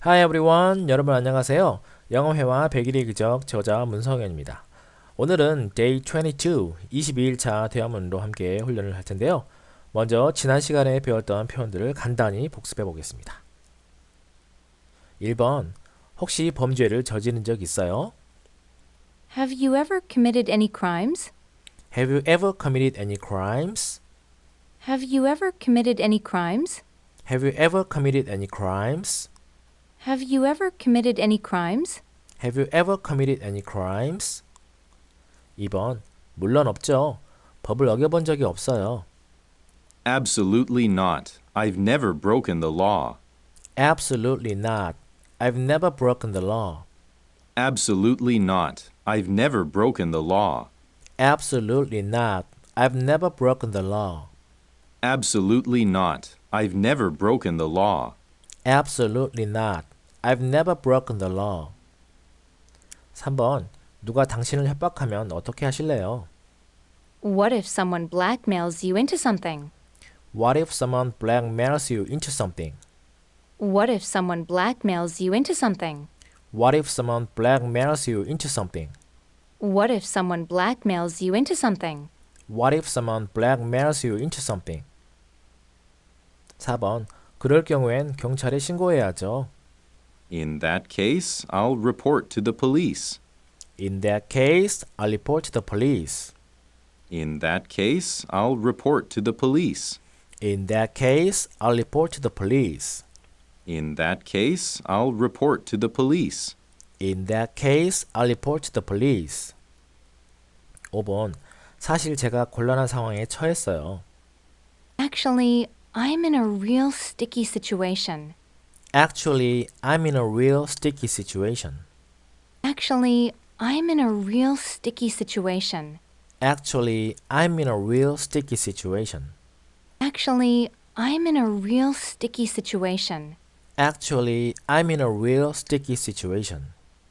Hi everyone, 여러분 안녕하세요. 영어회화 100일의 기적 저자 문성현입니다. 오늘은 Day 22, 22일차 대화문으로 함께 훈련을 할 텐데요. 먼저 지난 시간에 배웠던 표현들을 간단히 복습해 보겠습니다. 1번, 혹시 범죄를 저지른 적 있어요? Have you ever committed any crimes? Have you ever committed any crimes? Have you ever committed any crimes? Have you ever committed any crimes? Have you ever committed any crimes? Have you ever committed any crimes? 2번, 물론 없죠. 법을 어겨본 적이 없어요. Absolutely not. I've never broken the law. Absolutely not. I've never broken the law. Absolutely not. I've never broken the law. Absolutely not. I've never broken the law. Absolutely not. I've never broken the law. Absolutely not. I've never broken the law. 3번. 누가 당신을 협박하면 어떻게 하실래요? What if someone blackmails you into something? What if someone blackmails you into something? What if someone blackmails you into something? What if someone blackmails you into something? What if someone blackmails you into something? What if someone blackmails you into something? 4번. 그럴 경우엔 경찰에 신고해야죠. In that case, I'll report to the police. In that case, I'll report to the police. In that case, I'll report to the police. In that case, I'll report to the police. In that case, I'll report to the police. In that case, I'll report to the police. 5번. 사실 제가 곤란한 상황에 처했어요. Actually, I'm in a real sticky situation. Actually, I'm in a real sticky situation. Actually, I'm in a real sticky situation. Actually, I'm in a real sticky situation. Actually, I'm in a real sticky situation. Actually, I'm in a real sticky situation.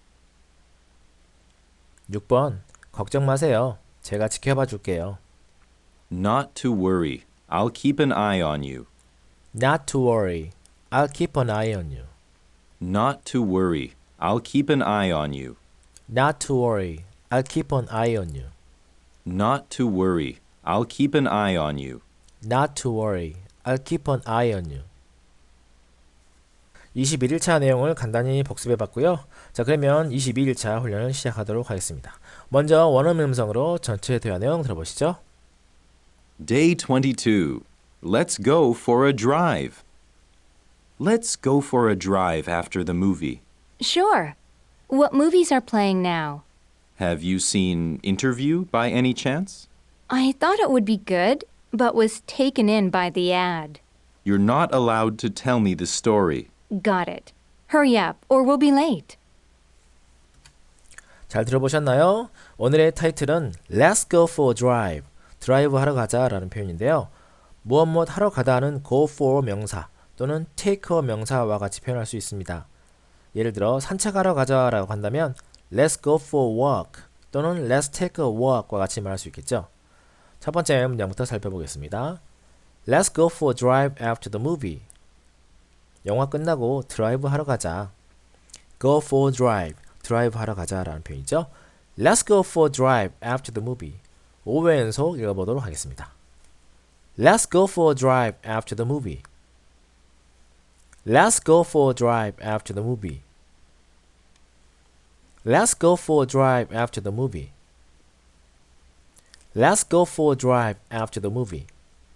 6번. 걱정 마세요. 제가 지켜봐 줄게요. Not to worry. I'll keep an eye on you. Not to worry. I'll keep an eye on you. Not to worry. I'll keep an eye on you. Not to worry. I'll keep an eye on you. Not to worry. I'll keep an eye on you. Not to worry. I'll keep an eye on you. 21일차 내용을 간단히 복습해 봤고요. 자, 그러면 22일차 훈련을 시작하도록 하겠습니다. 먼저 원어민 음성으로 전체 대화 내용 들어보시죠. Day 22. Let's go for a drive. Let's go for a drive after the movie. Sure. What movies are playing now? Have you seen Interview by any chance? I thought it would be good, but was taken in by the ad. You're not allowed to tell me the story. Got it. Hurry up, or we'll be late. 잘 들어보셨나요? 오늘의 타이틀은 Let's go for a drive. 드라이브 하러 가자 라는 표현인데요. 무엇 하러 가다는 go for 명사 또는 take a 명사와 같이 표현할 수 있습니다. 예를 들어 산책하러 가자 라고 한다면 Let's go for a walk 또는 Let's take a walk과 같이 말할 수 있겠죠. 첫 번째 문장부터 살펴보겠습니다. Let's go for a drive after the movie. 영화 끝나고 드라이브 하러 가자. Go for a drive, 드라이브 하러 가자 라는 표현이죠. Let's go for a drive after the movie. 5회 연속 읽어보도록 하겠습니다. Let's go for a drive after the movie. Let's go for a drive after the movie. Let's go for a drive after the movie. Let's go for a drive after the movie.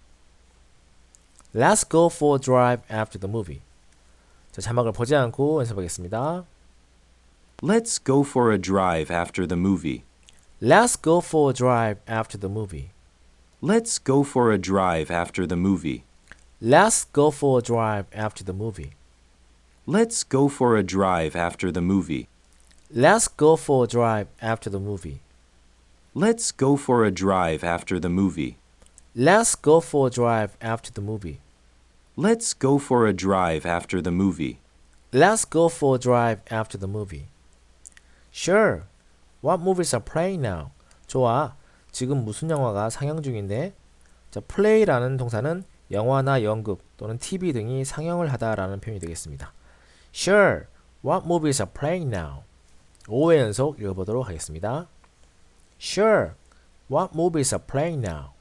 Let's go for a drive after the movie. 자, 자막을 보지 않고 연습하겠습니다. Let's go for a drive after the movie. Let's go for a drive after the movie. Let's go for a drive after the movie. Let's go for a drive after the movie. Let's go for a drive after the movie. Let's go for a drive after the movie. Let's go for a drive after the movie. Let's go for a drive after the movie. Let's go for a drive after the movie. Let's go for a drive after the movie. Sure. What movies are playing now? 좋아. 지금 무슨 영화가 상영 중인데? 자, play라는 동사는 영화나 연극 또는 TV 등이 상영을 하다라는 표현이 되겠습니다. Sure. What movies are playing now? 5회 연속 읽어보도록 하겠습니다. Sure. What movies are playing now?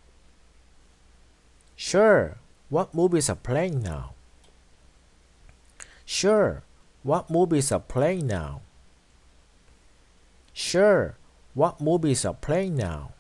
Sure. What movies are playing now? Sure. What movies are playing now? Sure. What movies are playing now?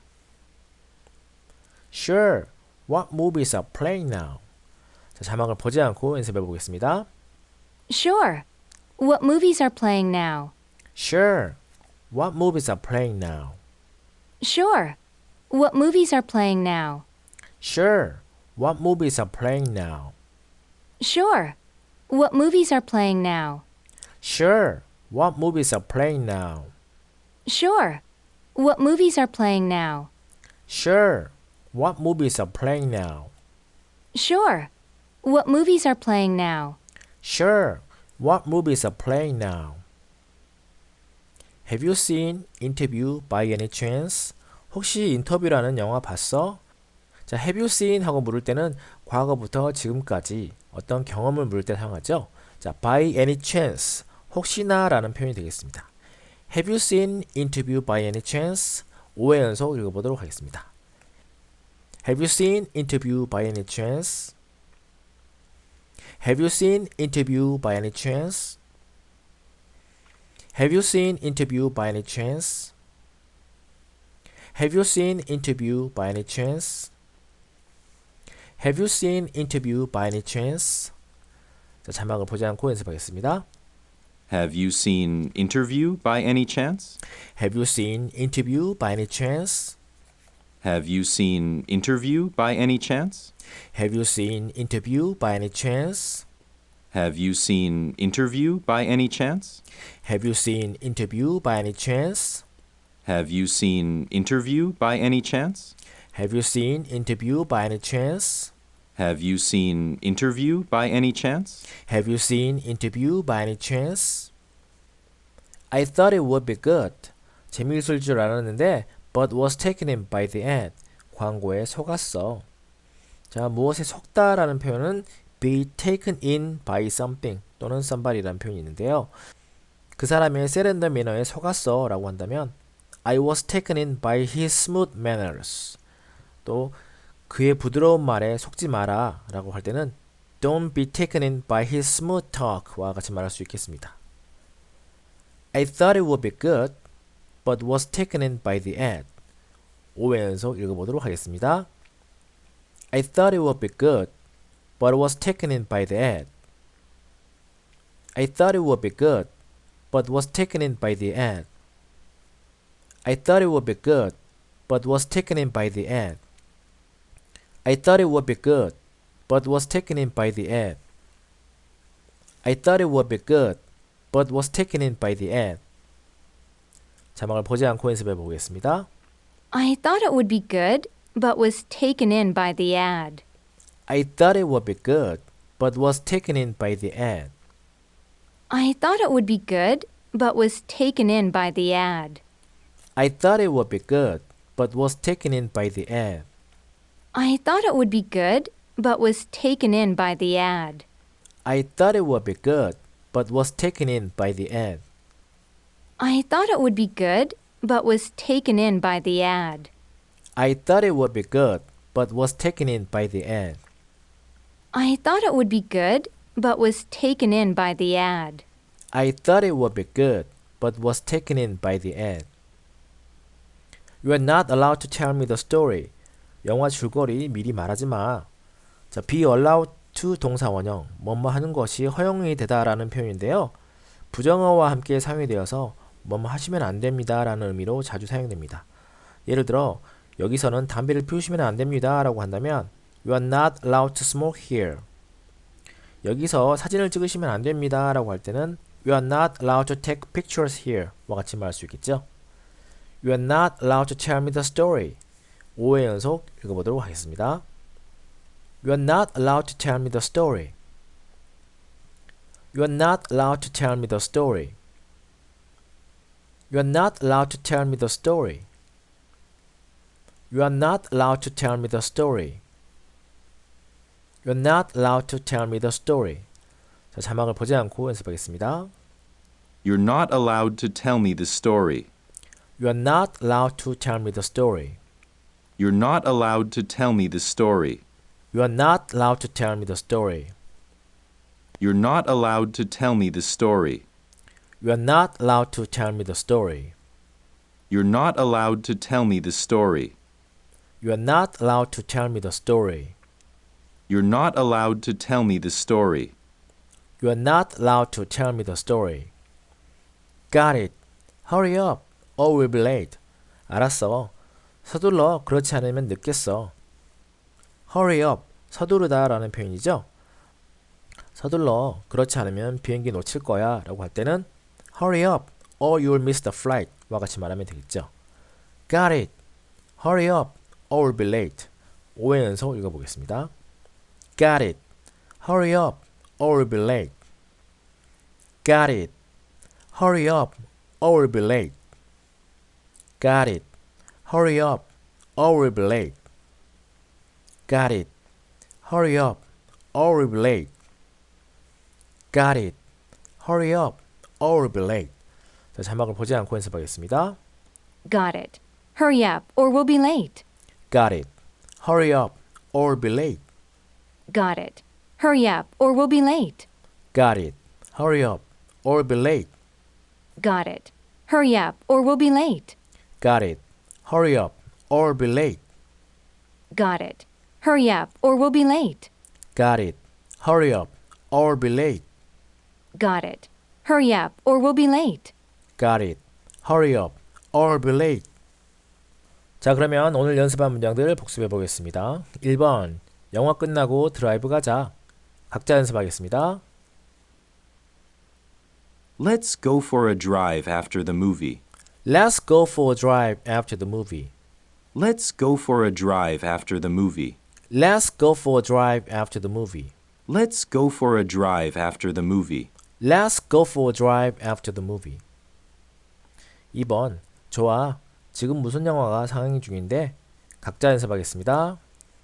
Sure. What movies are playing now? 자, 자막을 보지 않고 연습해 보겠습니다. Sure. What movies are playing now? Sure. What movies are playing now? Sure. What movies are playing now? Sure. What movies are playing now? Sure. What movies are playing now? Sure. What movies are playing now? Sure. What movies are playing now? Sure. What movies are playing now? Sure. What movies are playing now? Sure. What movies are playing now? Have you seen Interview by any chance? 혹시 인터뷰라는 영화 봤어? 자, have you seen 하고 물을 때는 과거부터 지금까지 어떤 경험을 물을 때 사용하죠. 자, by any chance, 혹시나 라는 표현이 되겠습니다. Have you seen Interview by any chance? 5회 연속 읽어보도록 하겠습니다. Have you seen Interview by any chance? Have you seen Interview by any chance? Have you seen Interview by any chance? Have you seen Interview by any chance? Have you seen Interview by any chance? 자, 자막을 보지 않고 연습하겠습니다. Have you seen Interview by any chance? Have you seen Interview by any chance? Have you seen Interview by any chance? Have you seen Interview by any chance? Have you seen Interview by any chance? Have you seen Interview by any chance? Have you seen Interview by any chance? Have you seen Interview by any chance? Have you seen Interview by any chance? Have you seen Interview by any chance? I thought it would be good. 재미있을 줄 알았는데 but was taken in by the ad. 광고에 속았어. 자, 무엇에 속다라는 표현은 be taken in by something 또는 somebody라는 표현이 있는데요. 그 사람의 세련된 매너에 속았어 라고 한다면 I was taken in by his smooth manners. 또 그의 부드러운 말에 속지 마라 라고 할 때는 Don't be taken in by his smooth talk와 같이 말할 수 있겠습니다. I thought it would be good, but was taken in by the ad. 5회 연속 읽어보도록 하겠습니다. I thought it would be good, but was taken in by the ad. I thought it would be good, but was taken in by the ad. I thought it would be good, but was taken in by the ad. I thought it would be good, but was taken in by the ad. I thought it would be good, but was taken in by the ad. 자막을 보지 않고 연습해 보겠습니다. I thought it would be good, but was taken in by the ad. I thought it would be good, but was taken in by the ad. I thought it would be good, but was taken in by the ad. I thought it would be good, but was taken in by the ad. I thought it would be good, but was taken in by the ad. I thought it would be good, but was taken in by the ad. I thought it would be good, but was taken in by the ad. I thought it would be good, but was taken in by the ad. I thought it would be good, but was taken in by the ad. I thought it would be good, but was taken in by the ad. You are not allowed to tell me the story. 영화 줄거리 미리 말하지 마. 자, be allowed to 동사 원형, 뭐뭐 하는 것이 허용이 되다라는 표현인데요. 부정어와 함께 사용이 되어서 뭐뭐 하시면 안 됩니다 라는 의미로 자주 사용됩니다. 예를 들어 여기서는 담배를 피우시면 안 됩니다 라고 한다면 You are not allowed to smoke here. 여기서 사진을 찍으시면 안 됩니다 라고 할 때는 You are not allowed to take pictures here 와 같이 말할 수 있겠죠. You are not allowed to tell me the story. 5회 연속 읽어보도록 하겠습니다. You are not allowed to tell me the story. You are not allowed to tell me the story. You are not allowed to tell me the story. You are not allowed to tell me the story. You are not allowed to tell me the story. 자, 자막을 보지 않고 연습하겠습니다. You're not allowed to tell me the story. You are not allowed to tell me the story. You're not allowed to tell me the story. You are not allowed to tell me the story. You're not allowed to tell me the story. You are not allowed to tell me the story. You're not allowed to tell me the story. You are not allowed to tell me the story. You're not allowed to tell me the story. You are not allowed to tell me the story. Got it. Hurry up, or we'll be late. 알았어. 서둘러. 그렇지 않으면 늦겠어. Hurry up. 서두르다 라는 표현이죠. 서둘러. 그렇지 않으면 비행기 놓칠 거야 라고 할 때는 Hurry up, or you'll miss the flight 와 같이 말하면 되겠죠. Got it. Hurry up, or we'll be late. 5회 연속 읽어보겠습니다. Got it. Hurry up, or we'll be late. Got it. Hurry up, or we'll be late. Got it. Hurry up, or we'll be late. Got it. Hurry up, or we'll be late. Got it. Hurry up, or we'll be late. 자, 자막을 보지 않고 연습하겠습니다. Got it. Hurry up, or we'll be late. Got it. Hurry up, or we'll be late. Got it. Hurry up, or we'll be late. Got it. Hurry up, or we'll be late. Got it. Hurry up, or we'll be late. Got it. Hurry up, or we'll be late. Got it. Hurry up, or we'll be late. Got it. Hurry up, or we'll be late. Got it. Hurry up, or we'll be late. Got it. Hurry up, or we'll be late. 자, 그러면 오늘 연습한 문장들 복습해 보겠습니다. 1번. 영화 끝나고 드라이브 가자. 각자 연습하겠습니다. Let's go for a drive after the movie. Let's go for a drive after the movie. Let's go for a drive after the movie. Let's go for a drive after the movie. Let's go for a drive after the movie. Let's go for a drive after the movie. 2번. 좋아. 지금 무슨 영화가 상영 중인데? 각자 연습하겠습니다.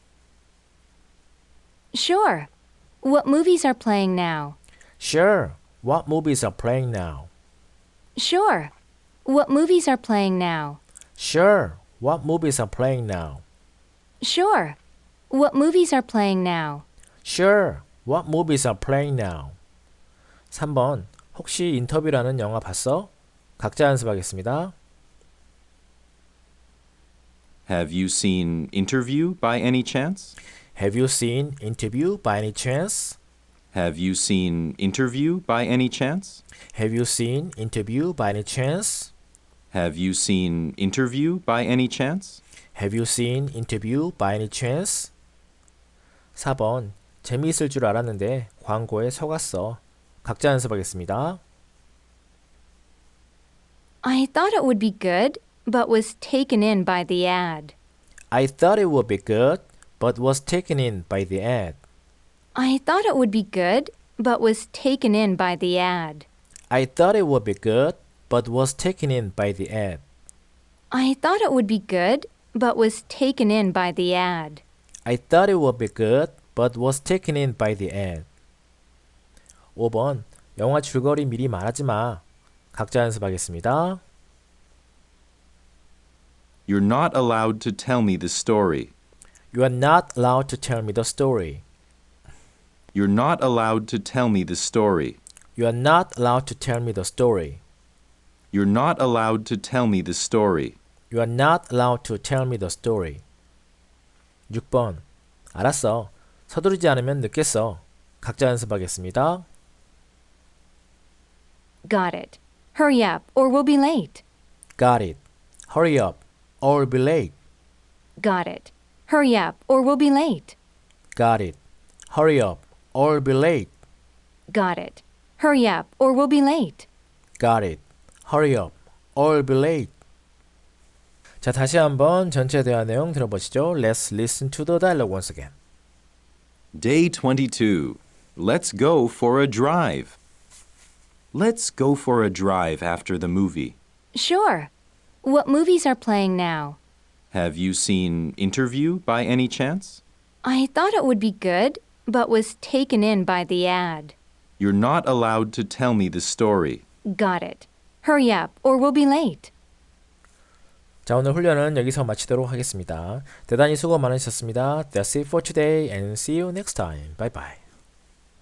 Sure. What movies are playing now? Sure. What movies are playing now? Sure. What movies are playing now? Sure. What movies are playing now? Sure. What movies are playing now? Sure. What movies are playing now? 3번. 혹시 인터뷰라는 영화 봤어? 각자 연습하겠습니다. Have you seen Interview by any chance? Have you seen Interview by any chance? Have you seen Interview by any chance? Have you seen Interview by any chance? Have you seen Interview by any chance? Have you seen Interview by any chance? 4번. 재미있을 줄 알았는데 광고에 속았어. 각자 연습하겠습니다. I thought it would be good, but was taken in by the ad. I thought it would be good, but was taken in by the ad. I thought it would be good, but was taken in by the ad. I thought it would be good, but was taken in by the ad. I thought it would be good, but was taken in by the ad. I thought it would be good, but was taken in by the ad. 5번. 영화 줄거리 미리 말하지 마. 각자 연습하겠습니다. You're not allowed to tell me the story. You are not allowed to tell me the story. You're not allowed to tell me the story. You are not allowed to tell me the story. You're not allowed to tell me the story. You are not allowed to tell me the story. 6번. 알았어. 서두르지 않으면 늦겠어. 각자 연습하겠습니다. Got it. Hurry up, or we'll be late. Got it. Hurry up, or we'll be late. Got it. Hurry up, or we'll be late. Got it. Hurry up, or we'll be late. Got it. Hurry up, or we'll be late. Got it. Hurry up, or we'll be late. 자, 다시 한번 전체 대화 내용 들어보시죠. Let's listen to the dialogue once again. Day 22. Let's go for a drive. Let's go for a drive after the movie. Sure. What movies are playing now? Have you seen Interview by any chance? I thought it would be good, but was taken in by the ad. You're not allowed to tell me the story. Got it. Hurry up, or we'll be late. 자, 오늘 훈련은 여기서 마치도록 하겠습니다. 대단히 수고 많으셨습니다. That's it for today and see you next time. Bye bye.